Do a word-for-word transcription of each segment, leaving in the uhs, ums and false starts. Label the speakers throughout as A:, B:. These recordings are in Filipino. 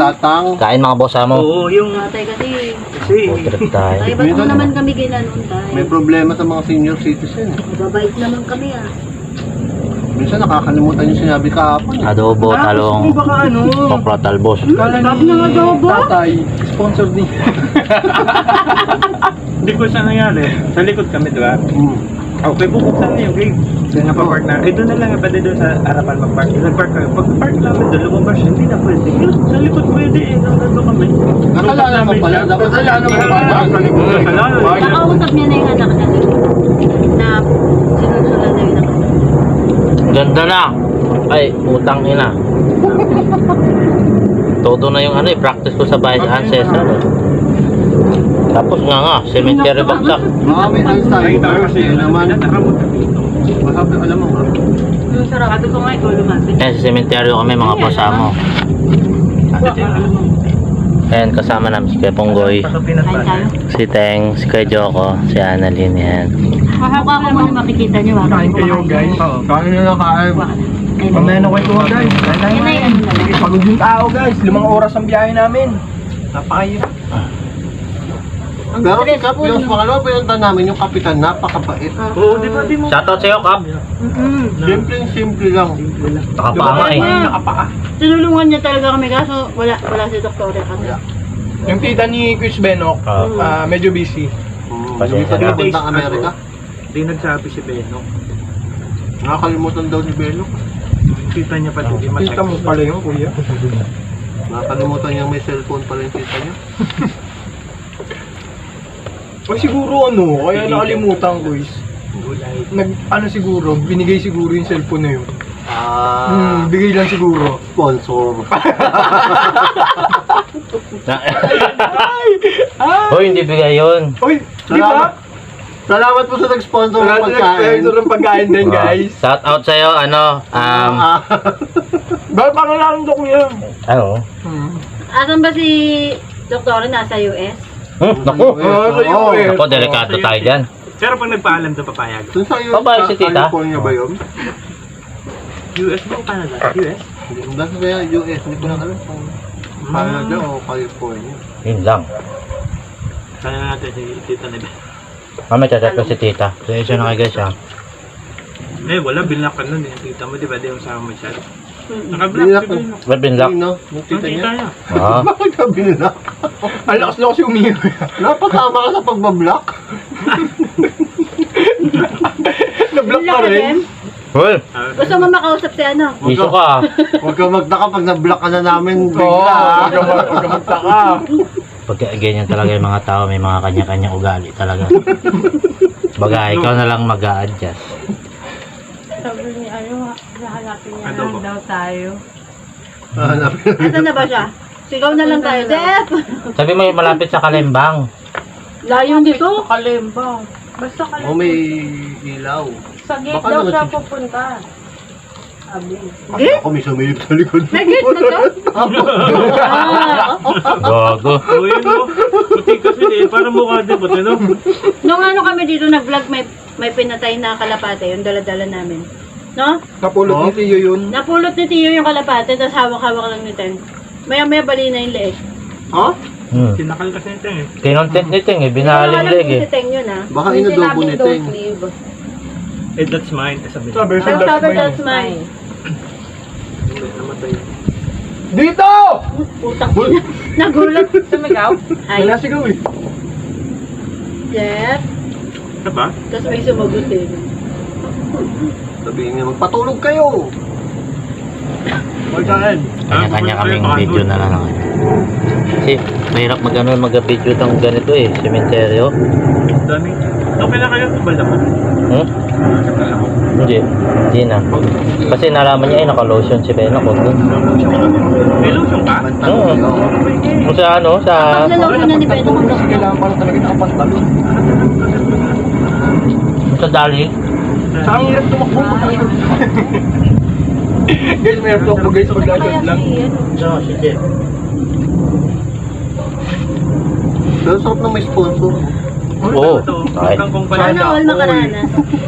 A: tatang.
B: Kain mga boss mo.
C: Oo, yung...
D: Tatay kasi.
C: Kasi...
B: Trip tayo.
D: Ay, ba't mo naman kami ginanon tayo?
A: May problema sa mga senior citizen.
D: Mababait naman kami ah.
A: Minsan nakakalimutan yung sinabi kahapon.
B: Adobo, talong,
C: baka ano...
B: okra, talbos.
C: Kala
D: Sabi ng adobo?
C: Tatay, sponsor din. Hindi ko siya nangyari. Sa likod kami, di ba?
A: Hmm.
C: Okay, bubuksan na yung gate. Kaya napapark na. Eh, doon na lang, pwede doon sa harapan mag-park. Nag-park kami. Pag-park namin doon, lumabas siya. Hindi na pwede. Sa likod pwede eh. Nandun kami.
A: Nakalaala mo pala. Nakalaala mo pala.
C: Sa likod. Nakalaala.
D: Nakausap niya na yung anak niya na sinusulan na yung anak.
B: Ganda na. Ay, utang ina. Todo na yung ano eh, practice ko sa bahay sa ancestral. Eh. Tapos nga nga, cemetery bagsak.
A: Baka may Alzheimer. Yun naman. Masabi, alam mo.
D: Yung sarado ko nga ikaw lumapit.
B: Ayan, sa cemetery kami mga boss mo. Ayan, kasama namin si Kuya Ponggoy,
D: Kain tayo.
B: si Teng, si Kuya Joko, si Annalyn, yan.
D: Mukha ko muna makikita niyo ah.
C: Kain kayo guys.
A: Kain na lang kain.
C: Mamaya na kwento guys.
D: Yan ay ano na lang.
C: Pagod yung tao guys. Limang oras ang biyahe namin. Napakahirap.
D: Ang
A: Pero si
D: stress
A: Kap,
D: po.
A: yung pangalawa pinunta namin, yung kapitan, napakabait.
C: Oo, di ba di mo?
B: Shoutout sa'yo, Kap.
A: Simpleng simple lang.
B: Nakapama eh.
C: Nakapaa.
D: Tinulungan niya talaga kami kaso wala wala si Doktor kasi.
C: Yung tita ni Chris Benok,
B: Oo.
C: ah, medyo busy.
A: Hmm,
B: Pasensya
A: Yung
B: na.
A: papuntang Amerika.
E: Hindi nagsabi si Benok.
A: Nakakalimutan daw ni Belok.
E: Tita niya pati di
C: Tita mo pala yung kuya.
A: Nakakalimutan niya may cellphone pala yung tita niya.
C: O siguro ano, kaya nakalimutan ko is. Nag, ano siguro, binigay siguro yung cellphone na yun.
A: Ah,
C: Hmm, bigay lang siguro.
A: sponsor.
B: Hoy, hindi bigay yun.
C: Uy, di ba?
A: Salamat po sa nag-sponsor ng pagkain.
C: Nag-sponsor ng pagkain din guys.
B: Shoutout sa'yo, ano, um,
A: Ah,
C: Bakit parang lang ko kuya?
B: ano?
C: Hmm.
D: Asan ba si Doktor nasa U S?
B: Hmm, naku.
C: Ah, sa
A: Oo.
C: U S.
B: Naku, delikado tayo dyan.
E: Pero pag nagpaalam doon papayag.
A: dun sa yun,
B: Babae si tita?
A: California ba yun?
E: U S ba o Canada? U S?
A: Nasa sa U S, hindi ko lang alam kung Canada o California.
B: Yun lang.
E: Kaya natin si Tita Nebe.
B: Mamaya chat ko si tita. Pasensya na kayo guys ha.
E: Eh, wala. Binlock ka nun eh. Tita mo, di ba? Di yung sama mo siya. Naka-block
A: Binlock
E: si
A: mo.
E: Benok.
B: Ba't binlock?
A: Sino? Yung
E: Ang
A: tita
E: tita
A: niya?
E: niya.
B: Ah,
A: Bakit ka binlock?
C: Ang lakas na kasi umiyo.
A: Napatama ka sa pagbablock?
C: Na-block ka rin.
B: well,
D: Gusto mo makausap si ano?
B: iso ka.
A: Huwag ka magtaka pag na-block ka na namin
C: Oo,
A: bigla. ah.
C: huwag ka mag- huwag ka magtaka.
B: Pag ganyan talaga yung mga tao, may mga kanya-kanyang ugali talaga. Baga, ikaw na lang mag-a-adjust.
D: Sabi ni ano, hahanapin niya
E: Ano ba?
D: daw tayo.
A: Hanapin.
D: Asan na ba siya? Sigaw na lang tayo. Dep!
B: Sabi mo yung malapit sa Kalembang.
D: Layo dito? Kalembang. Basta
A: O may ilaw.
D: Sa gate
A: Baka naman si-
D: pupunta. Sabi.
A: Gate? Ako may sumilip sa likod.
D: May gate na to? Ah,
B: Gago.
E: Oo, yun mo. Puti kasi eh. Parang mukha din. Puti no?
D: Nung ano kami dito nag-vlog, may may pinatay na kalapate, yung dala-dala namin. No?
C: Napulot
A: Oh.
C: ni Tiyo yun.
D: Napulot ni Tiyo yung kalapate, tapos hawak-hawak lang ni Ten. Maya-maya bali na yung leeg.
A: Ha?
B: Hmm.
E: Sinakal kasi nito eh.
B: Kinontent ni Ting eh, binaling leg eh.
D: Si Teng yun ah.
A: Baka
D: Yung
A: inadobo
D: sinabing
A: ni
D: don't
A: Teng.
D: leave.
E: Eh, that's mine. Eh, sabi
C: Sabi,
E: niya.
D: Pero
C: that's
D: sabi,
C: mine.
D: that's mine.
E: Hindi, namatay.
C: Dito!
D: Putang ina. Nagulat. Sumigaw. Ay,
C: Wala sigaw eh.
D: Jeff.
E: Ano ba?
D: Tapos may sumagot eh.
A: Sabihin niya, magpatulog kayo.
C: Magkaan.
B: Kanya-kanya kaming video na lang. Kasi mahirap mag ano, mag-video ng ganito eh, sementeryo.
E: Dami. Okay lang kayo. Bala mo.
B: Hmm? Hindi. Hindi na. Kasi nalaman niya ay naka-lotion si Benok. Huwag nun.
E: May lotion ka?
B: Oo. Kung sa ano, sa...
D: Paglalawin na ni Beto kung
C: Kasi kailangan pala talaga nakapantalon.
B: Sa dali.
C: Sa ang hirap tumakbo. Guys, may hirap tumakbo guys. Pag-agad lang.
B: So, si Jeff.
A: Pero sarap na may sponsor.
B: Oo. Ay.
E: Kangkong pala.
D: Sana all makaranas.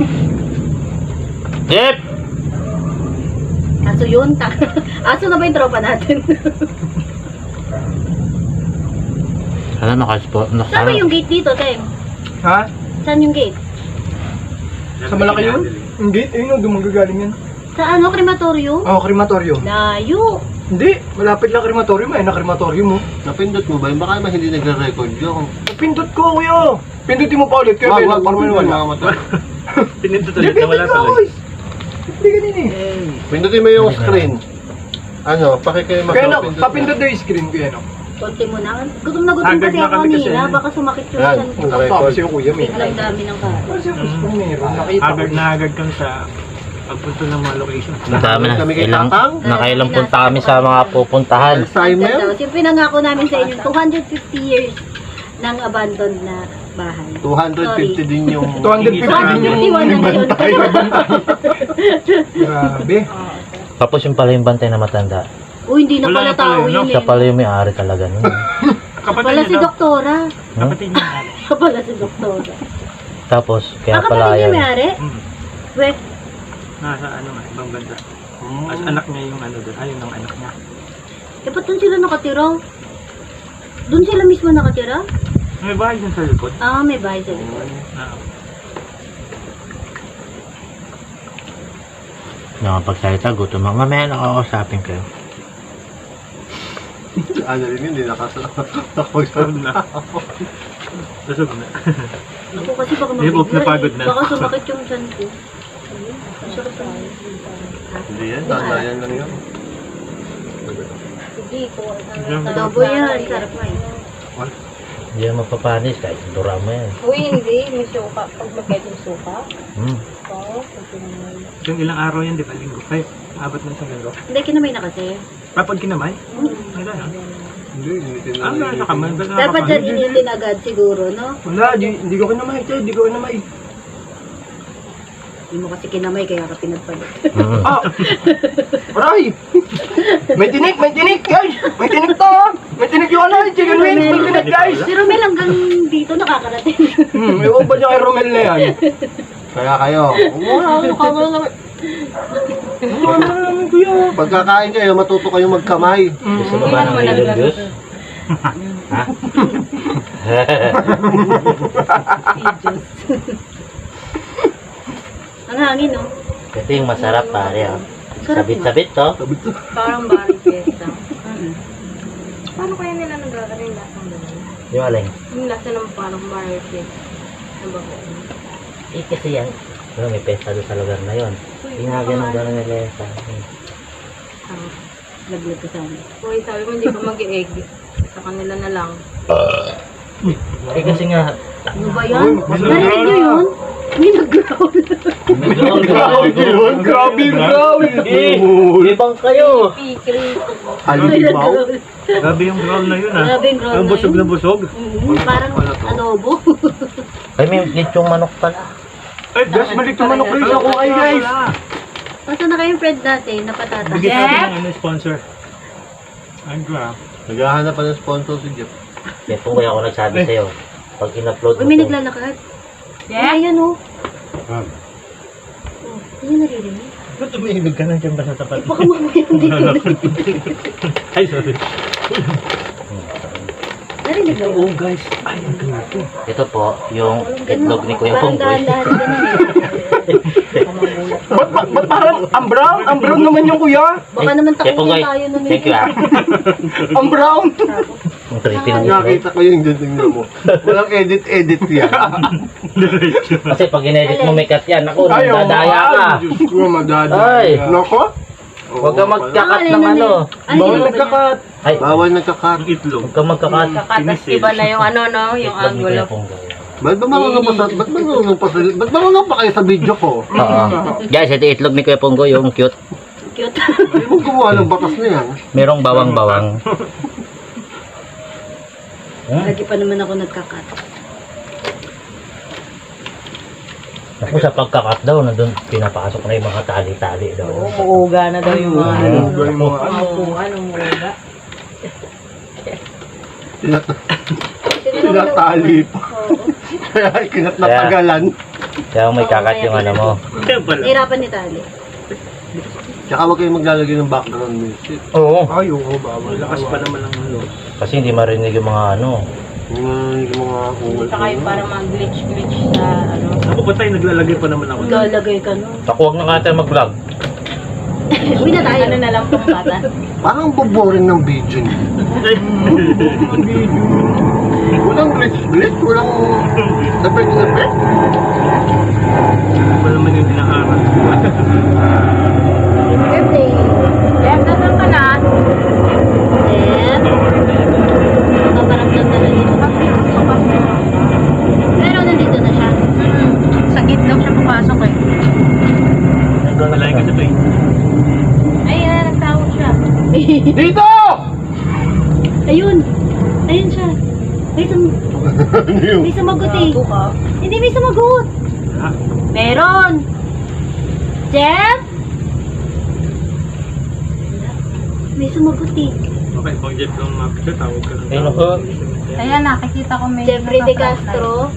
B: Jeff!
D: Aso yun, ta. Aso na ba yung tropa natin?
B: Ano, nakaspo,
D: Saan ba
B: nakaspo.
D: yung gate dito, Tem?
A: Ha?
D: Saan yung gate?
A: Sa malaki yun? Hindi, ayun o, dumagagaling yan.
D: Sa ano, krematorium?
A: Oo, krematorium.
D: Layo.
A: Hindi, malapit lang krematorium, ayun na krematorium mo.
F: Napindot mo ba yun? Baka naman hindi nagre-record yun.
A: Pindot ko, kuya. Pindutin mo pa ulit, kaya
F: Wag,
A: may
F: wag,
A: parang
F: wag,
A: wala.
F: mga mata.
E: Pinindot
A: Hindi,
E: ulit na wala
A: pindot ka,
E: tuloy.
A: guys. Hindi ganun eh.
F: Pindutin mo yung screen. Ano, pakikayo
A: Kaya na,
F: magpapindot.
A: papindot na yung screen, kuya, no?
D: Konti mo na. Gutom na gutom
E: Haggard
D: kasi
E: na
D: ako
E: kami kasi,
D: kanina.
E: ano.
D: Baka sumakit yung
F: Yan.
D: chan ko.
A: Ang sabi sa'yo, kuya, may.
D: Biglang dami ng kain.
A: Kasi gusto ko meron, nakita ko.
E: Agad na agad kang sa pagpunto ng mga location.
B: Ang dami na.
F: Kami kay
B: Ilang,
F: Tatang?
B: nakailang punta kami sa mga pupuntahan.
F: Alzheimer?
D: Tapos yung pinangako namin sa inyo, two hundred fifty years ng abandoned na bahay.
F: two hundred fifty din yung...
A: two hundred fifty din yung
D: two hundred fifty-one na ngayon.
A: Grabe.
B: Tapos yung pala yung bantay na matanda.
D: Uy, hindi na
E: Wala
D: pala
E: na pala
D: tao
E: yun, no?
D: yun
B: Siya
D: eh.
B: pala yung may-ari talaga nun.
E: Kapatid
D: Pala
E: niya
D: si
E: daw.
D: Doktora.
E: Kapatid niya.
D: Pala si Doktora.
B: Tapos, kaya
D: Ah,
B: pala
D: kapatid niya
B: yan.
D: may-ari?
E: Hmm.
D: We,
E: Nasa ano nga, ibang banda. As anak niya yung ano doon. Ayun ang anak niya.
D: eh ba't doon sila nakatira? Doon sila mismo nakatira?
E: May bahay dun sa likod.
D: Ah, may bahay sa likod.
E: Ah,
B: Nakapagsalita, gutom ako. Mamaya nakakausapin kayo.
F: Ano rin yun, hindi nakasapag
E: Busog na. Busog na.
D: Ako kasi baka
E: Hindi,
D: mabigla
E: napagod
D: eh.
E: na.
D: Baka sumakit yung chan ko. Ang sarap na.
F: Hindi yan, tatayan lang yun.
D: Hindi ko.
E: Diyan.
D: Adobo yan. Sarap nga eh.
B: Hindi yan mapapanis kahit dura mo yan.
G: Uy, hindi. May suka. Pag magkait yung suka.
B: Hmm.
G: Oo. pag pinamay.
E: Yung ilang araw yan, di ba? Linggo. Ay, abot na isang linggo.
D: Hindi, kinamay na kasi.
E: Papag kinamay? Wala na.
F: Hindi, hindi
E: Ah, wala na kamay.
D: Dapat dyan initin agad siguro, no?
A: Wala, di, hindi ko kinamay, tayo, hindi ko kinamay.
D: Hindi mo kasi kinamay kaya ka pinagpalit.
B: Mm.
A: Ah! Aray! May tinik, may tinik, guys! May tinik to, ha? May tinik yung ano, yung chicken wings, may tinik, guys!
D: Si Romel hanggang dito nakakarating.
A: Hmm, may ba niya kay Romel na yan?
F: Kaya kayo, wala, wala naman.
A: Wala na namin, kuya.
F: Pagkakain kayo, matuto kayong magkamay.
B: Gusto mo ba ng million views? Ha?
D: Ang hangin, no?
B: Ito yung masarap pare. Oh.
D: Sarap
B: Sabit-sabit to.
G: Parang barang fiesta. Paano kaya nila nagkakaroon yung lasa ng ganun?
B: Yung aling.
G: Yung lasa ng parang barang fiesta. Ano ba?
B: Eh kasi yan. Pero may pesta doon sa lugar na yon. Ginaganon doon ng lesa.
G: Ah.
D: Laglag ka sana.
G: Uy, sabi mo hindi ka mag-egg. Sa kanila na lang.
B: Eh kasi nga.
D: Ano ba yan? Narinig niyo yun? May nag-growl.
A: Grabe yun, grabe yung growl.
B: Eh, ibang kayo.
G: Pickle.
D: May
F: Halimaw.
D: nag-growl.
E: Grabe yung growl na yun, ah.
D: Grabe yung growl
E: Ang
D: na
E: busog
D: yun.
E: na busog.
D: Mm, parang adobo.
B: Ay, may lechong manok pala.
E: Ay,
A: Guys, balik yung manok guys, ako ay guys.
D: Nasaan na kayong friend natin na patatas?
E: Bigyan natin ng ano, sponsor. Ang grab.
F: Naghahanap pa ng sponsor si Jeff.
B: Kaya kung kaya ako nagsabi sa'yo, pag in-upload
D: Uy,
B: mo
D: may
B: to,
D: naglalakad. Yeah? Ayan, oh.
F: Ah.
D: Oh, hindi naririnig.
E: Ba't tumihilog ka na dyan ba sa tapat?
D: Baka mamaya hindi ko
E: Ay, sorry.
D: narinig na yun.
E: guys. Ay, ang grabe.
B: ito po, yung itlog ni Kuya
D: Parang
B: Pongboy.
D: dahan-dahan ganun eh.
A: Ba't, ba't, ba't parang, ang brown? Ang brown naman yung kuya.
D: Baka naman
B: Kuya Pongboy,
D: takutin tayo nun.
B: thank you ah.
A: Ang brown.
B: Ang creepy ng itlog.
F: Nakita ko yung tingnan mo. Walang edit-edit yan.
B: Kasi pag in-edit mo may cut yan, ako,
A: Ayaw,
B: nadadaya ka.
A: ay, Diyos ko, madadaya.
B: Ay.
A: Nako?
B: Huwag ka magkakat
D: Ah,
B: ng
D: alin,
B: ano.
D: alin?
A: Bawal
D: Alin,
A: nagkakat.
B: Ay,
F: Bawal nagkakat.
E: Ang itlog.
B: huwag ka magkakat.
G: Kakatas iba na yung ano, no? Yung
B: Itlog ni Kuya
G: angulo.
B: Pongboy.
F: Ba't ba mga pa sa... Ba't ba mga pa sa... Ba't ba mga pa kayo sa video ko?
B: Oo. Guys, ito itlog ni Kuya Pongboy, yung cute.
D: Cute.
F: Ay mo gumawa ng bakas na yan.
B: Merong bawang-bawang.
D: Lagi pa naman ako nagkakat.
B: Ako sa pagkakat daw, nandun pinapasok na yung mga tali-tali daw.
G: Umuuga na daw yung mga ano.
A: Ano yung mga ano?
G: Mga upuan, umuuga.
F: Tinat- Tinatali pa. Kaya kinatnatagalan.
B: Kaya may kakat yung ano mo.
E: Kaya pala.
D: Nahirapan ni Tali.
F: Tsaka huwag kayong maglalagay ng background music.
B: Oo.
A: Ay, oo, bawal.
E: Lakas pa naman ang ano.
B: Kasi hindi marinig yung mga ano.
F: Yung mga, yung mga ungal.
G: Saka yung parang mag-glitch-glitch sa ano.
E: Ako pa tayo, naglalagay pa naman ako.
D: Galagay ka no.
B: Ako, huwag na nga tayo mag-vlog.
D: Uwi na tayo.
G: Ano na lang pang bata.
F: Parang boboring ng video niyo. Walang glitch-glitch, walang effect-effect.
E: Ano pa naman yung dinaaral.
D: Birthday.
G: Jeff, nasan ka na?
D: Then, paparamdam na lang dito. Pero nandito na siya.
G: Hmm. Sa gate daw siya pumasok eh.
E: Malayo ka sa bay.
G: Ayun, nagtawag siya.
A: Dito!
D: Ayun. Ayun siya. May, sum may sumagot eh.
G: Bago ka.
D: Hindi may sumagot.
E: Ha?
D: Meron. Jeff? May sumagot eh.
E: Okay, pag jet lang mapit tawag ka ng
B: Ay, naku.
G: Ayan, nakikita ko may...
D: Jeffrey De Castro.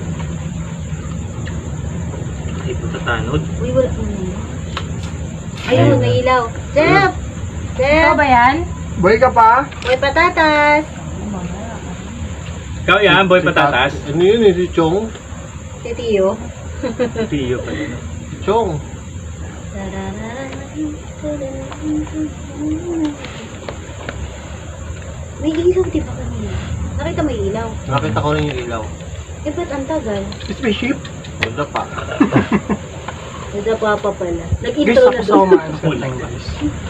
E: Ay, puta tanod.
D: Uy, wala. Hmm. Ayun, may ilaw. Jeff!
G: Ikaw
D: Jeff!
G: ba yan?
A: Boy ka pa?
D: Uy, patatas!
E: Ikaw yan, boy patatas.
F: Ano yun eh, si Chong?
D: Si Tio.
E: Tiyo pa yun.
F: Si Chong.
D: May ilaw, di ba kanina? Nakita may ilaw.
F: Nakita ko rin yung ilaw.
D: Eh, ba't ang tagal?
A: Spaceship?
F: Wala pa.
D: Nadapa pa pala.
A: Guys,
D: Nag-intro na
A: ako sa
D: to.
A: umaan sa time, guys.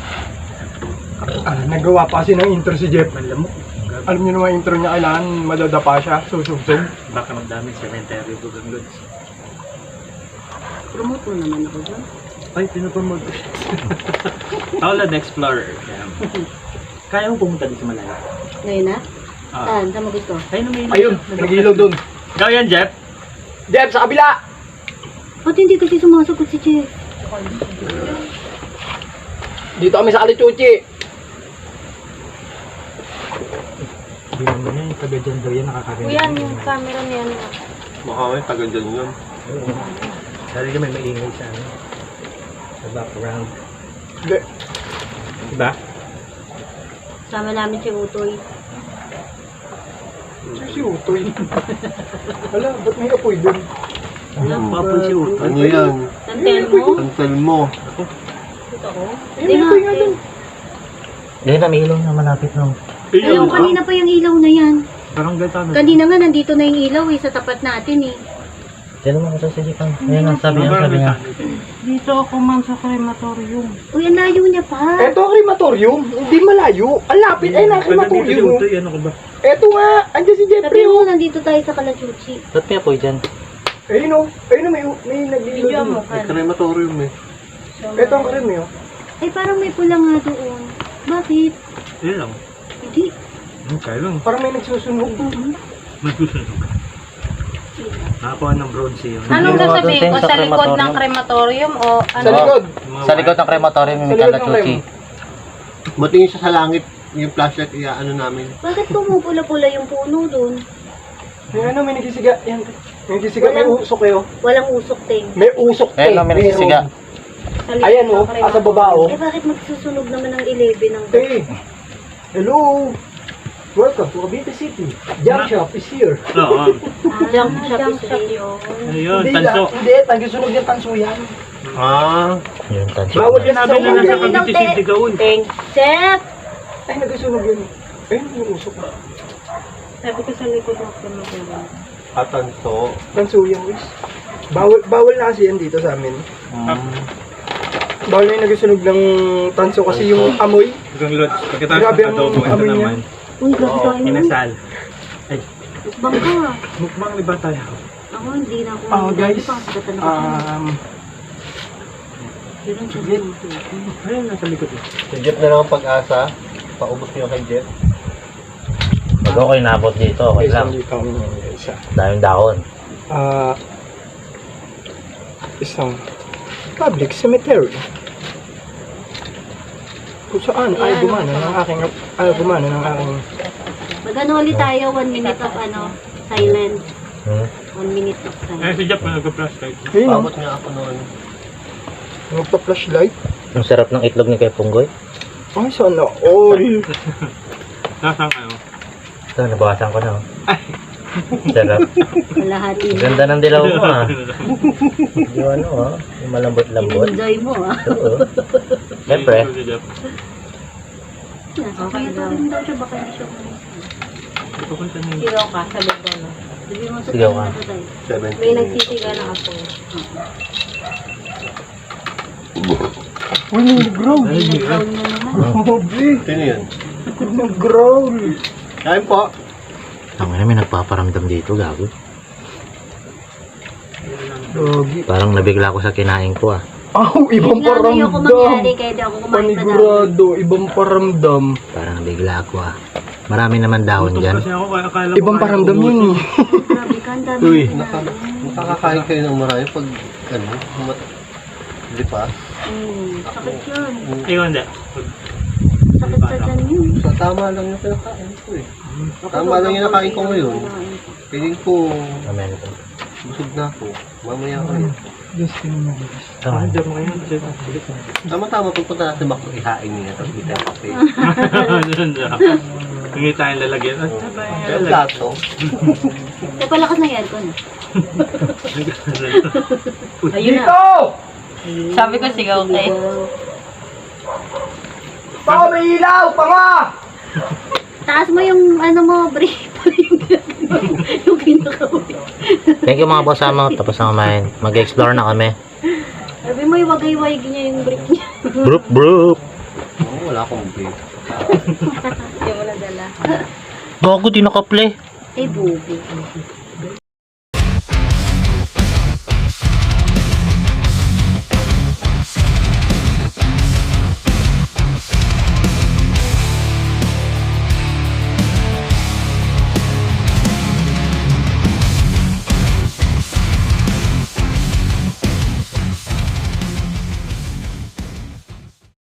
A: Ah, nagawa pa kasi ng intro si Jeff.
E: Alam mo,
A: Alam niyo naman yung intro niya, kailangan madadapa siya, susubsob.
E: baka magdaming cemetery ko ng goods.
D: Promote mo naman ako dyan.
E: Ay, pinapromote ko siya. Outland Explorer. Kaya mo pumunta dito sa Malaya?
D: Ngayon na?
E: Ah.
D: Saan? Sa magot ko?
E: Ayun, may
A: Ayun, nag-ilaw dun.
E: Ikaw yan, Jeff?
A: Jeff, sa kabila!
D: Ba't hindi kasi sumasagot si Jeff?
A: Dito kami sa Alichuchi.
E: Hindi naman yan, taga dyan daw yan, nakakarinig.
G: Kuya, yung camera niya. ano?
F: Baka may taga dyan yun.
E: Dali ka may maingay sa ano. Sa background.
A: Hindi.
E: Diba?
D: Sama namin si Utoy.
A: Si Utoy. Wala, ba't may apoy dun?
E: Papul si Uto.
F: Ano yan?
D: Tantel mo?
F: Tantel mo.
D: Dito ako?
A: Ayun, may apoy nga dun.
B: Hindi na, may ilaw na malapit nung.
D: Ayaw, kanina pa yung ilaw na yan.
E: Parang gata na.
D: Kanina nga, nandito na yung ilaw eh, sa tapat natin eh.
B: Diyan naman ako sa sijikan. Ayan ang sabi niya, sabi niya.
G: Dito ako man sa crematorium.
D: Uy, ang layo niya pa.
A: Eto ang crematorium, hindi malayo. Ang lapit, ay na,
E: Pag nandito si
A: crematorium.
E: Uto, ano ka ba?
A: Eto nga, andyan si Jeffrey.
D: Sabi mo,
A: Oh.
D: nandito tayo sa Kalachuchi.
B: Ba't may apoy dyan?
A: Ayun o, ayun o, may, may naglilo
G: Video
A: dun.
G: mo,
F: May
G: kan.
F: crematorium eh.
A: Eto ang karim yun.
D: Ay, parang may pula nga doon. Bakit?
E: Yun lang.
D: Hindi.
E: Hmm, kaya lang.
A: Parang may nagsusunog.
E: Magsusunog. Nakakuha ng bronze yun.
G: Anong
B: Yung mga
G: sasabihin
B: doon
G: ko?
B: sa
G: Sa likod ng
B: crematorium?
G: crematorium o ano?
A: Sa likod.
B: Sa likod ng crematorium yung
A: Sa likod ng
B: Kalachuchi.
F: Matingin siya sa langit, yung flashlight, iaano namin.
D: Bakit pumupula-pula yung puno doon?
A: Yung ano, may nagsisiga. Yan. May nagsisiga, may usok kayo.
D: Walang usok, Ting.
A: May usok
B: Ayan lang, may nagsisiga.
G: Sa likod
A: Ayan
G: ng
A: o, ah, sa baba o.
D: Eh, bakit magsusunog naman ng eleven ng...
A: Hey, hello. Welcome to Cavite City. Jump shop is here.
E: Oo.
D: Junk shop
G: Junk
D: is
G: shop
D: real.
G: yun.
E: Ayun,
A: Hindi,
E: tanso.
A: la- Hindi, tagisunog yung tanso yan.
F: Ah,
B: Yun, tansyo.
A: Bawal yan
E: Sinabi na nasa Cavite City gawin.
D: Ting. Chef!
A: Ay, nagisunog yun. Ayun, yung usok.
G: Sabi ko sa likod ng crematorium.
F: atanso.
A: Tanso yan, guys. Bawal, bawal na kasi yan dito sa amin.
F: Mm.
A: Bawal na yung nagisunog ng tanso kasi yung amoy.
E: Hanggang Lods, pagkatapos
A: Grabe
E: ng
A: ang
E: adobo, ito
A: amoy niya.
E: naman.
D: Uy, grabe
F: Oo,
D: tayo nun.
E: Inasal.
D: Bangka.
E: Mukbang iba tayo.
D: Ako, hindi na ako.
A: Ah, guys.
D: Hindi pa ako sagatan ako.
A: Um,
D: Yun ang sabi mo.
E: Ayun, nasa likod eh.
F: Si Jeff na lang ang pag-asa. Paubos niyo kay Jeff.
B: Pag ako inabot dito, okay
A: guys,
B: lang.
A: nandito kami ngayon, guys. ah.
B: Daming dahon.
A: Ah, isang public cemetery. Kung saan ay
D: Yan.
A: gumana ng aking ay gumana ng aking
D: Mag-ano ulit tayo, one minute of ano, silence.
B: Hmm?
D: One minute of
E: Eh,
D: silence.
E: si Jeff, nagka-flashlight.
A: ayun, oh.
F: Paabot nga ako noon.
A: Magpa-flashlight.
B: Ang sarap ng itlog ni Kuya Punggoy.
A: Ay, sana all.
E: Nasaan kayo?
B: Ito, nabawasan ko na. Oh. Sarap.
D: Kalahati
B: Ang
D: na.
B: ganda ng dilaw mo ah. Yung ano ah. Yung malambot-lambot.
D: In-enjoy mo ah.
B: Oo. Siyempre.
D: Okay daw. daw siya baka hindi siya umalis.
G: Sigaw ka, sabi ko no.
D: Sabi mo sa
B: Sigaw ka.
D: tayo na tayo.
F: seventeen
G: May nagsisiga na ako.
A: Uy, nag-growl.
D: Growl na naman.
A: Grabe.
F: Sino yun?
A: Nag-growl.
F: Kain po.
B: Ang ina, may nagpaparamdam dito, gago.
A: Lagi.
B: Parang nabigla ko sa kinain ko ah.
A: Aw, ibang
D: Nga na yung
A: paramdam.
D: kumangyari kaya di ako kumain pa dahon.
A: Panigurado, ibang paramdam.
B: Parang nabigla ako ah. Marami naman dahon dyan.
E: Kasi ako, kaya akala ko
A: Ibang
E: kaya
A: paramdam
E: ko
A: yun eh.
D: Grabe ka, ang dami
B: Uy.
D: na
F: Naka,
D: sinabi.
F: nakakakain kayo ng marami pag, ano, mat... Di pa?
D: Hmm, sakit yun.
E: Ayun, hindi.
D: Sakit sa tiyan yun.
F: Sa tama lang yung kinakain ko eh. Tama lang yung nakain ko ngayon. Piling ko,
B: Amen.
F: busog na ako. Mamaya ko yun.
B: Tama.
F: Tama-tama, pupunta natin Macdo, ihain niya. Tapos hindi tayo kape.
E: Hindi tayong lalagyan. At
F: Pero plato,
D: Kaya palakas ng aircon ah. Ayun na.
A: Dito!
G: Sabi ko sigaw kayo.
A: Baka may ilaw, panga!
D: Taas mo yung ano mo, brief. yung kinakawin.
B: Thank you mga boss mo. Tapos na kumain. Mag-explore na kami.
D: Sabi mo yung wagay-wag niya yung brief niya.
B: Broop, broop.
F: oh, wala akong break.
G: Hindi mo nadala.
B: Bago di nakaplay.
D: Ay, bubi.